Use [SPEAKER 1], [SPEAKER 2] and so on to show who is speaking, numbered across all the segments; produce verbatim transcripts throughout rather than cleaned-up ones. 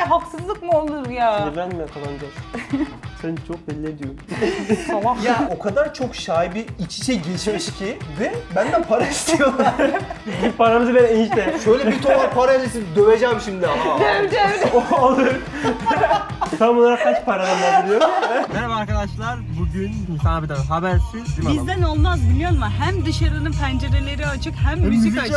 [SPEAKER 1] haksızlık mı olur ya?
[SPEAKER 2] Sinirlenme kazanacağız. Sen çok belli ediyorsun.
[SPEAKER 1] Salak.
[SPEAKER 3] Ya o kadar çok şaibi iç içe geçmiş ki ve benden para istiyorlar.
[SPEAKER 2] Bir paramızı ver enişte.
[SPEAKER 3] Şöyle bir ton parayla sizi döveceğim şimdi ama.
[SPEAKER 2] O olur. Tam olarak kaç paradan bahsediyor? Merhaba arkadaşlar. Bugün Nisan abiden habersiz.
[SPEAKER 1] Bizden olmaz biliyor musun? Hem dışarının pencereleri açık hem müzik açık.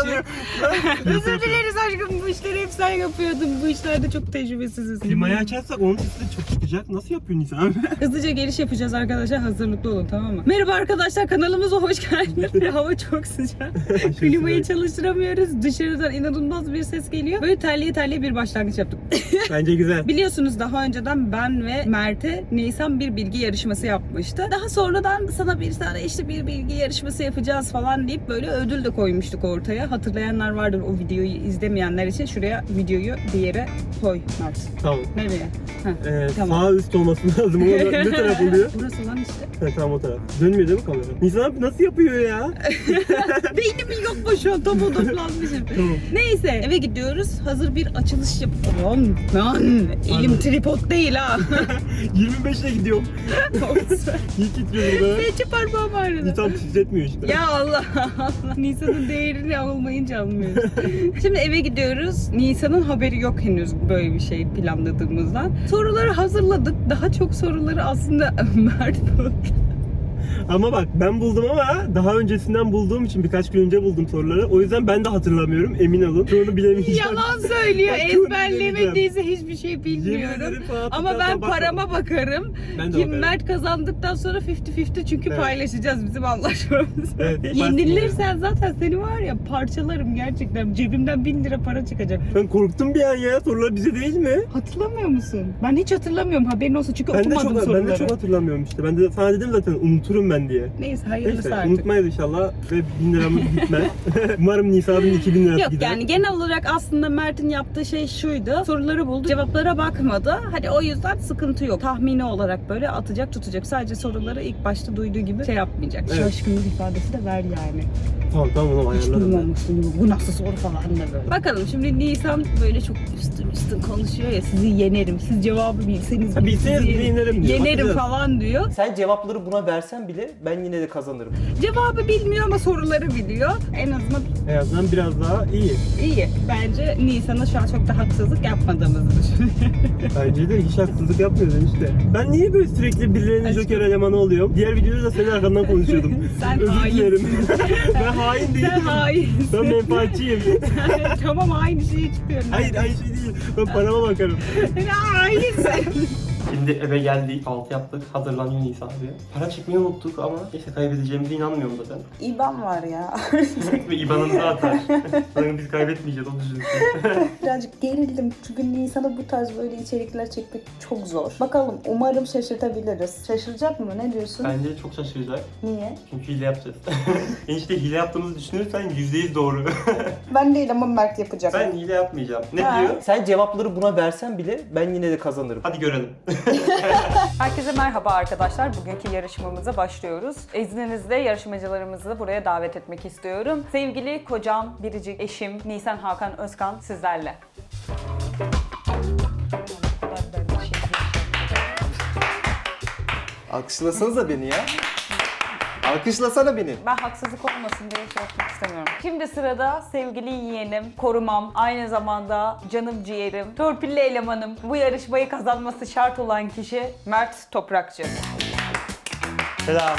[SPEAKER 1] Özür dileriz aşkım, bu işleri hep sen yapıyordun. Bu işlerde çok tecrübesiziz.
[SPEAKER 2] Klimayı açarsak onun sesi de çok çıkacak. Nasıl yapıyor Nisan abi?
[SPEAKER 1] Hızlıca giriş yapacağız arkadaşlar, hazırlıklı olun tamam mı? Merhaba arkadaşlar, kanalımıza hoş geldiniz. Hava çok sıcak. Klimayı çalıştıramıyoruz. Dışarıdan inanılmaz bir ses geliyor. Böyle terliye terliye bir başlangıç yaptık.
[SPEAKER 2] Bence güzel.
[SPEAKER 1] Biliyorsunuz daha önceden ben ve Mert'e Nisan bir bilgi yarışması yapmıştı. Daha sonradan sana bir tane işte bir bilgi yarışması yapacağız falan deyip böyle ödül de koymuştuk ortaya. Hatırlayanlar vardır, o videoyu izlemeyenler için şuraya videoyu bir yere koy Mert.
[SPEAKER 2] Tamam.
[SPEAKER 1] Nereye? Heh,
[SPEAKER 2] Ee,
[SPEAKER 1] tamam.
[SPEAKER 2] Sağ üst olması lazım. O ne taraf oluyor?
[SPEAKER 1] Burası lan işte.
[SPEAKER 2] Ha, tamam o taraf. Dönmüyor değil mi kamera? Nisan abi nasıl yapıyor ya?
[SPEAKER 1] Beynim yok mu şu an, tam odaklanmışım.
[SPEAKER 2] Tamam.
[SPEAKER 1] Neyse eve gidiyoruz. Hazır bir açılış yapalım. Lan elim tripod değil ha.
[SPEAKER 2] yirmi beşle gidiyorum. İyi titriyor burada.
[SPEAKER 1] Seçi parmağım ağrıdı.
[SPEAKER 2] Nisan titretmiyor işte.
[SPEAKER 1] Ya Allah Allah. Nisan'ın değerini olmayınca anlıyoruz. Şimdi eve gidiyoruz. Nisan'ın haberi yok henüz böyle bir şey planladığımızdan. Soruları hazırladık. Daha çok soruları aslında Mert buldu.
[SPEAKER 2] Ama bak ben buldum ama daha öncesinden bulduğum için birkaç gün önce buldum soruları. O yüzden ben de hatırlamıyorum, emin olun. Çoğunu bilemeyeceğim.
[SPEAKER 1] Yalan söylüyor.
[SPEAKER 2] Ben çok
[SPEAKER 1] Ezberlemediyse hiçbir şey
[SPEAKER 2] Yemin
[SPEAKER 1] bilmiyorum.
[SPEAKER 2] ederim falan
[SPEAKER 1] Ama ben
[SPEAKER 2] hatırlarsam
[SPEAKER 1] parama bakarım.
[SPEAKER 2] Ben de
[SPEAKER 1] Kim
[SPEAKER 2] bakarım.
[SPEAKER 1] Mert kazandıktan sonra elli elli çünkü
[SPEAKER 2] Evet.
[SPEAKER 1] paylaşacağız bizim anlaşmamız.
[SPEAKER 2] Evet,
[SPEAKER 1] Yenilirsen zaten seni var ya parçalarım gerçekten. Cebimden bin lira para çıkacak.
[SPEAKER 2] Ben korktum bir an ya. Sorular bize değil mi?
[SPEAKER 1] Hatırlamıyor musun? Ben hiç hatırlamıyorum, haberin olsun çünkü
[SPEAKER 2] Ben de
[SPEAKER 1] okumadım
[SPEAKER 2] çok
[SPEAKER 1] soruları.
[SPEAKER 2] ben de çok hatırlamıyorum işte. Ben de sana dedim zaten unuturum ben diye.
[SPEAKER 1] Neyse hayırlısı
[SPEAKER 2] Neyse
[SPEAKER 1] artık.
[SPEAKER 2] unutmayız inşallah ve bin liramız gitmez. Umarım Nisa'nın iki bin lirası
[SPEAKER 1] Yok
[SPEAKER 2] gider.
[SPEAKER 1] yani genel olarak aslında Mert'in yaptığı şey şuydu. Soruları buldu, cevaplara bakmadı. Hani o yüzden sıkıntı yok. Tahmini olarak böyle atacak tutacak. Sadece soruları ilk başta duyduğu gibi şey yapmayacak.
[SPEAKER 2] Evet.
[SPEAKER 1] Şaşkınlık ifadesi de ver yani.
[SPEAKER 2] Tamam tamam onu
[SPEAKER 1] Hiç
[SPEAKER 2] ayarlarım.
[SPEAKER 1] duymamıştım. Bu nasıl soru falan da böyle. Bakalım şimdi Nisan böyle çok üstün üstün konuşuyor ya, sizi yenerim. Siz cevabı bilseniz
[SPEAKER 2] Ha,
[SPEAKER 1] bile
[SPEAKER 2] bilseniz
[SPEAKER 1] sizi
[SPEAKER 2] bile yenerim diyor.
[SPEAKER 1] Yenerim
[SPEAKER 2] Bakacağız.
[SPEAKER 1] falan diyor.
[SPEAKER 3] Sen cevapları buna versen bile ben yine de kazanırım.
[SPEAKER 1] Cevabı bilmiyor ama soruları biliyor. En azından
[SPEAKER 2] En azından biraz daha iyi.
[SPEAKER 1] iyi. Bence Nisan'a şu an çok da haksızlık yapmadığımızı düşünüyorum.
[SPEAKER 2] Bence de hiç haksızlık yapmıyorsun işte. Ben niye böyle sürekli birilerinin
[SPEAKER 1] Aşkım.
[SPEAKER 2] joker elemanı oluyorum? Diğer videoda da senin arkandan konuşuyordum.
[SPEAKER 1] Sen
[SPEAKER 2] Özür
[SPEAKER 1] hainsin.
[SPEAKER 2] dilerim. Ben hain değilim.
[SPEAKER 1] Sen hainsin.
[SPEAKER 2] Ben menfaatçiyim.
[SPEAKER 1] Tamam aynı şeyi çıkıyorum.
[SPEAKER 2] Hayır aynı şey değil. Ben parama bakarım.
[SPEAKER 1] Sen hainsin.
[SPEAKER 2] Şimdi eve geldik, kahvaltı yaptık, hazırlanıyor Nisa abi. Para çekmeyi unuttuk ama neyse kaybedeceğimize inanmıyorum zaten.
[SPEAKER 1] İban var ya.
[SPEAKER 2] Ve İBAN'ımızı atar. Sanırım biz kaybetmeyeceğiz, onu düşünüyorum.
[SPEAKER 1] Birazcık gerildim çünkü Nisan'a bu tarz böyle içerikler çekmek çok zor. Bakalım, umarım şaşırtabiliriz. Şaşıracak mı? Ne diyorsun?
[SPEAKER 2] Bence çok şaşıracak.
[SPEAKER 1] Niye?
[SPEAKER 2] Çünkü hile yapacağız. Enişte hile yaptığımızı düşünürsen yüzde yüz doğru.
[SPEAKER 1] Ben değil ama Mert yapacak.
[SPEAKER 2] Ben hile yapmayacağım. Ne
[SPEAKER 1] Ha.
[SPEAKER 2] diyor?
[SPEAKER 3] Sen cevapları buna versen bile ben yine de kazanırım.
[SPEAKER 2] Hadi görelim.
[SPEAKER 4] Herkese merhaba arkadaşlar. Bugünkü yarışmamıza başlıyoruz. İzninizle yarışmacılarımızı buraya davet etmek istiyorum. Sevgili kocam, biricik eşim Nisan Hakan Özkan sizlerle.
[SPEAKER 3] Alkışlasanıza beni ya. Alkışlasana beni.
[SPEAKER 4] Ben haksızlık olmasın diye şey yapmak istemiyorum. Şimdi sırada sevgili yeğenim, korumam, aynı zamanda canım ciğerim, torpilli elemanım, bu yarışmayı kazanması şart olan kişi Mert Toprakçı.
[SPEAKER 3] Selam.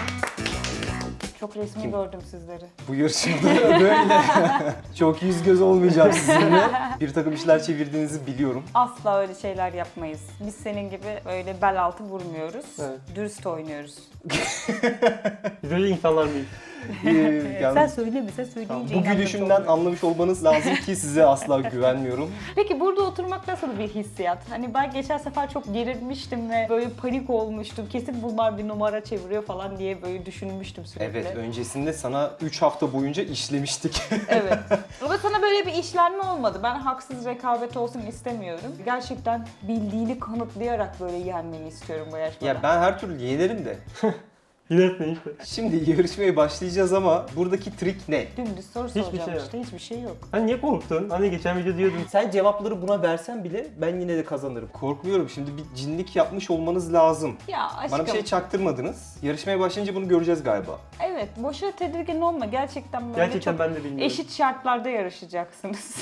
[SPEAKER 4] Çok resmi gördüm sizleri.
[SPEAKER 3] Bu yarışmada böyle çok yüz göz olmayacağım sizinle. Bir takım işler çevirdiğinizi biliyorum.
[SPEAKER 4] Asla öyle şeyler yapmayız. Biz senin gibi öyle bel altı vurmuyoruz.
[SPEAKER 3] Evet.
[SPEAKER 4] Dürüst oynuyoruz.
[SPEAKER 2] Biz öyle insanlar mıyız?
[SPEAKER 3] Ee, yani
[SPEAKER 4] Sen söyleme, sen söyleyince
[SPEAKER 3] bu
[SPEAKER 4] inanmak
[SPEAKER 3] gülüşümden
[SPEAKER 4] olmuyor.
[SPEAKER 3] anlamış olmanız lazım ki size asla güvenmiyorum.
[SPEAKER 4] Peki burada oturmak nasıl bir hissiyat? Hani ben geçen sefer çok gerilmiştim ve böyle panik olmuştum. Kesin bunlar bir numara çeviriyor falan diye böyle düşünmüştüm sürekli.
[SPEAKER 3] Evet, öncesinde sana üç hafta boyunca işlemiştik.
[SPEAKER 4] Evet. Ama sana böyle bir işlenme olmadı. Ben haksız rekabet olsun istemiyorum. Gerçekten bildiğini kanıtlayarak böyle yenmeni istiyorum bu yarışmada.
[SPEAKER 3] Ya ben her türlü yenerim de.
[SPEAKER 2] Yine ne işte.
[SPEAKER 3] Şimdi yarışmaya başlayacağız ama buradaki trik ne?
[SPEAKER 4] Dümdüz soru
[SPEAKER 2] Hiçbir
[SPEAKER 4] soracağım
[SPEAKER 2] şey yok.
[SPEAKER 4] işte. Hiçbir şey yok.
[SPEAKER 2] Sen niye korktun? Hani geçen video diyordun.
[SPEAKER 3] Sen cevapları buna versen bile ben yine de kazanırım. Korkmuyorum. Şimdi bir cinlik yapmış olmanız lazım.
[SPEAKER 4] Ya aşkım.
[SPEAKER 3] Bana bir şey çaktırmadınız. Yarışmaya başlayınca bunu göreceğiz galiba.
[SPEAKER 4] Evet, boşuna tedirgin olma. Gerçekten böyle
[SPEAKER 2] Gerçekten
[SPEAKER 4] çok
[SPEAKER 2] ben de bilmiyorum.
[SPEAKER 4] eşit şartlarda yarışacaksınız.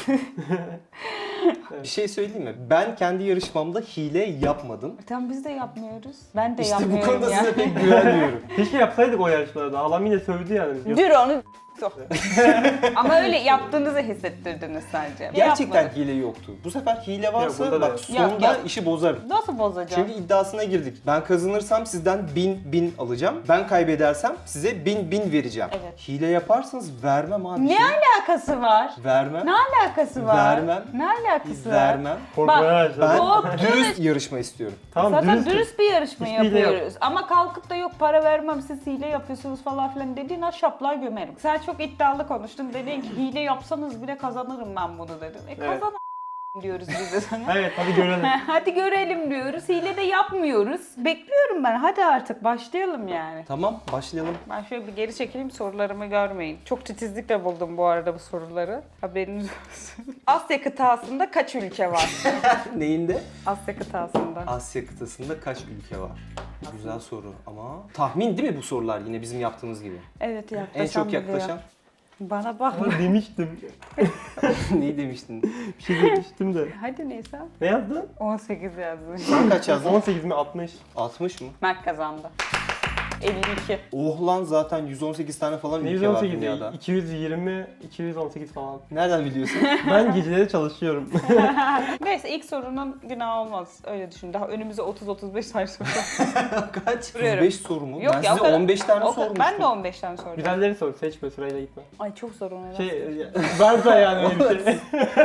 [SPEAKER 3] Bir şey söyleyeyim mi? Ben kendi yarışmamda hile yapmadım.
[SPEAKER 4] Tamam biz de yapmıyoruz. Ben de
[SPEAKER 3] İşte bu
[SPEAKER 4] yapmıyorum
[SPEAKER 3] konuda
[SPEAKER 4] yani.
[SPEAKER 3] size pek güvenmiyorum.
[SPEAKER 2] Keşke yapsaydık o yarışmalarda. Halam yine sövdü yani. bizi.
[SPEAKER 4] Dur onu sok. Ama öyle yaptığınızı hissettirdiniz sadece.
[SPEAKER 3] Gerçekten
[SPEAKER 4] Yapmadık.
[SPEAKER 3] hile yoktu. Bu sefer hile varsa
[SPEAKER 2] bunda da
[SPEAKER 3] bak
[SPEAKER 2] yok.
[SPEAKER 3] sonunda
[SPEAKER 4] Yok, yok.
[SPEAKER 3] işi bozarım.
[SPEAKER 4] Nasıl bozacağım?
[SPEAKER 3] Çünkü iddiasına girdik. Ben kazanırsam sizden bin bin alacağım. Ben kaybedersem size bin bin vereceğim.
[SPEAKER 4] Evet.
[SPEAKER 3] Hile yaparsanız vermem abi.
[SPEAKER 4] Ne
[SPEAKER 3] şey.
[SPEAKER 4] alakası var?
[SPEAKER 3] Vermem.
[SPEAKER 4] Ne alakası var?
[SPEAKER 3] Vermem.
[SPEAKER 4] Ne alakası var?
[SPEAKER 3] Vermem.
[SPEAKER 2] Korkmaya başladım.
[SPEAKER 3] Ben
[SPEAKER 4] O-
[SPEAKER 3] dürüst yarışma istiyorum.
[SPEAKER 2] Tamam
[SPEAKER 4] Zaten
[SPEAKER 2] dürüst.
[SPEAKER 4] dürüst, bir yarışma
[SPEAKER 2] Hiçbir hile yok.
[SPEAKER 4] yapıyoruz. Ama kalkıp da yok para vermem siz hile yapıyorsunuz falan filan dediğin an şaplığa gömerim. Sen çok iddialı konuştun. Dedin ki hile yapsanız bile kazanırım ben bunu dedin. E
[SPEAKER 2] Evet.
[SPEAKER 4] kazan diyoruz biz de sana.
[SPEAKER 2] Evet hadi görelim.
[SPEAKER 4] Hadi görelim diyoruz. Hile de yapmıyoruz. Bekliyorum ben. Hadi artık başlayalım yani.
[SPEAKER 3] Tamam başlayalım.
[SPEAKER 4] Ben şöyle bir geri çekileyim sorularımı görmeyin. Çok titizlikle buldum bu arada bu soruları. Haberiniz olsun. Asya kıtasında kaç ülke var?
[SPEAKER 3] Neyinde?
[SPEAKER 4] Asya kıtasında.
[SPEAKER 3] Asya kıtasında kaç ülke var? Güzel soru ama tahmin değil mi bu sorular yine bizim yaptığımız gibi?
[SPEAKER 4] Evet
[SPEAKER 3] En
[SPEAKER 4] yaklaşan
[SPEAKER 3] çok yaklaşan
[SPEAKER 4] Bana bak.
[SPEAKER 2] Ama demiştim.
[SPEAKER 3] neyi demiştin?
[SPEAKER 2] Bir şey demiştim de.
[SPEAKER 4] Hadi neyse.
[SPEAKER 2] Ne yazdın?
[SPEAKER 4] on sekiz yazmış.
[SPEAKER 3] Sen kaç yazdın?
[SPEAKER 2] on sekiz mi altmış?
[SPEAKER 3] altmış mı?
[SPEAKER 4] Mert kazandı. elli iki.
[SPEAKER 3] Oh lan zaten yüz on sekiz tane falan
[SPEAKER 2] Ne
[SPEAKER 3] ülke var
[SPEAKER 2] yüz on sekiz
[SPEAKER 3] dünyada.
[SPEAKER 2] iki yüz yirmi, iki yüz on sekiz falan.
[SPEAKER 3] Nereden biliyorsun?
[SPEAKER 2] Ben geceleri çalışıyorum.
[SPEAKER 4] Neyse ilk sorunun günahı olmaz. Öyle düşün. Daha önümüze otuz otuz beş tane soru var.
[SPEAKER 3] Kaç?
[SPEAKER 4] Duruyorum.
[SPEAKER 3] otuz beş soru mu?
[SPEAKER 4] Yok
[SPEAKER 3] ben
[SPEAKER 4] ya, o
[SPEAKER 3] size
[SPEAKER 4] kadar-
[SPEAKER 3] on beş tane
[SPEAKER 4] O kadar-
[SPEAKER 3] sormuştum.
[SPEAKER 4] Ben de on beş tane soracağım.
[SPEAKER 2] Güzelleri sor, seçme sırayla gitme.
[SPEAKER 4] Ay çok zor ona.
[SPEAKER 2] Şey, varsa yani öyle bir şey.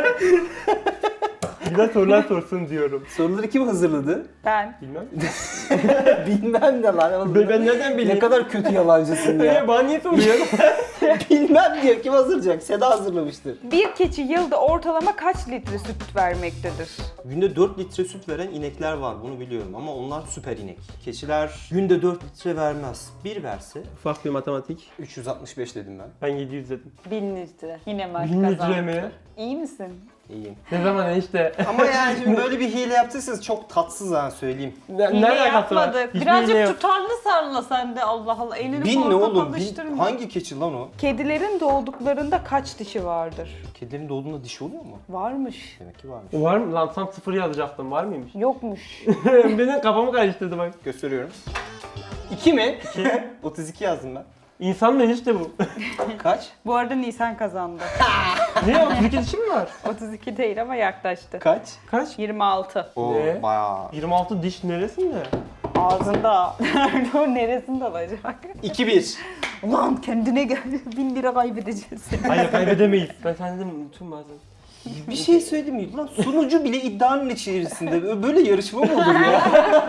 [SPEAKER 2] Güzel sorular sorsun diyorum.
[SPEAKER 3] Soruları kim hazırladı?
[SPEAKER 4] Ben.
[SPEAKER 2] Bilmem.
[SPEAKER 3] Bilmem de lan.
[SPEAKER 2] Ben, ben nereden bileyim?
[SPEAKER 3] Ne kadar kötü yalancısın
[SPEAKER 2] Ee,
[SPEAKER 3] ya.
[SPEAKER 2] bana niye soruyorsun?
[SPEAKER 3] Bilmem diyor. Kim hazırlayacak? Seda hazırlamıştır.
[SPEAKER 4] Bir keçi yılda ortalama kaç litre süt vermektedir?
[SPEAKER 3] Günde dört litre süt veren inekler var. Bunu biliyorum ama onlar süper inek. Keçiler günde dört litre vermez. Bir verse
[SPEAKER 2] Ufak bir matematik.
[SPEAKER 3] üç yüz altmış beş dedim ben.
[SPEAKER 2] Ben yedi yüz dedim.
[SPEAKER 4] bin litre. Yine Mert
[SPEAKER 2] bin
[SPEAKER 4] kazandı.
[SPEAKER 2] litre mi?
[SPEAKER 4] İyi misin?
[SPEAKER 3] İyiyim.
[SPEAKER 2] Ne zaman işte?
[SPEAKER 3] Ama yani şimdi böyle bir hile yaptıysanız çok tatsız ha söyleyeyim.
[SPEAKER 2] Ne,
[SPEAKER 4] Hile
[SPEAKER 2] alakası var?
[SPEAKER 4] yapmadık.
[SPEAKER 2] Hiçbir
[SPEAKER 4] Birazcık
[SPEAKER 2] hile yok.
[SPEAKER 4] tutarlı sarla sen de Allah Allah. Elini
[SPEAKER 3] Bin ne
[SPEAKER 4] korkak
[SPEAKER 3] oğlum? Bin,
[SPEAKER 4] alıştırma.
[SPEAKER 3] hangi keçi lan o?
[SPEAKER 4] Kedilerin doğduklarında kaç dişi vardır?
[SPEAKER 3] Kedilerin doğduğunda dişi oluyor mu?
[SPEAKER 4] Varmış.
[SPEAKER 3] Demek ki varmış.
[SPEAKER 2] Var mı? Lan tam sıfır yazacaktım. Var mıymış?
[SPEAKER 4] Yokmuş.
[SPEAKER 2] Benim kafamı karıştırdı bak.
[SPEAKER 3] Gösteriyorum. İki mi? otuz iki yazdım ben.
[SPEAKER 2] İnsan mı işte bu?
[SPEAKER 3] Kaç?
[SPEAKER 4] Bu arada Nisan kazandı.
[SPEAKER 2] Niye? otuz iki dişi mi var?
[SPEAKER 4] otuz iki değil ama yaklaştı.
[SPEAKER 3] Kaç?
[SPEAKER 2] Kaç?
[SPEAKER 4] yirmi altı.
[SPEAKER 3] Oo
[SPEAKER 2] Ne?
[SPEAKER 3] bayağı.
[SPEAKER 2] yirmi altı diş neresinde?
[SPEAKER 4] Ağzında. Nerede o neresinde olacak?
[SPEAKER 3] iki bir.
[SPEAKER 4] Ulan kendine gel. Bin lira kaybedeceğiz.
[SPEAKER 2] Hayır kaybedemeyiz. Ben kendim unuturum bazen.
[SPEAKER 3] Bir şey söyleyeyim mi? Lan sunucu bile iddianın içerisinde. Böyle yarışma mı olur ya?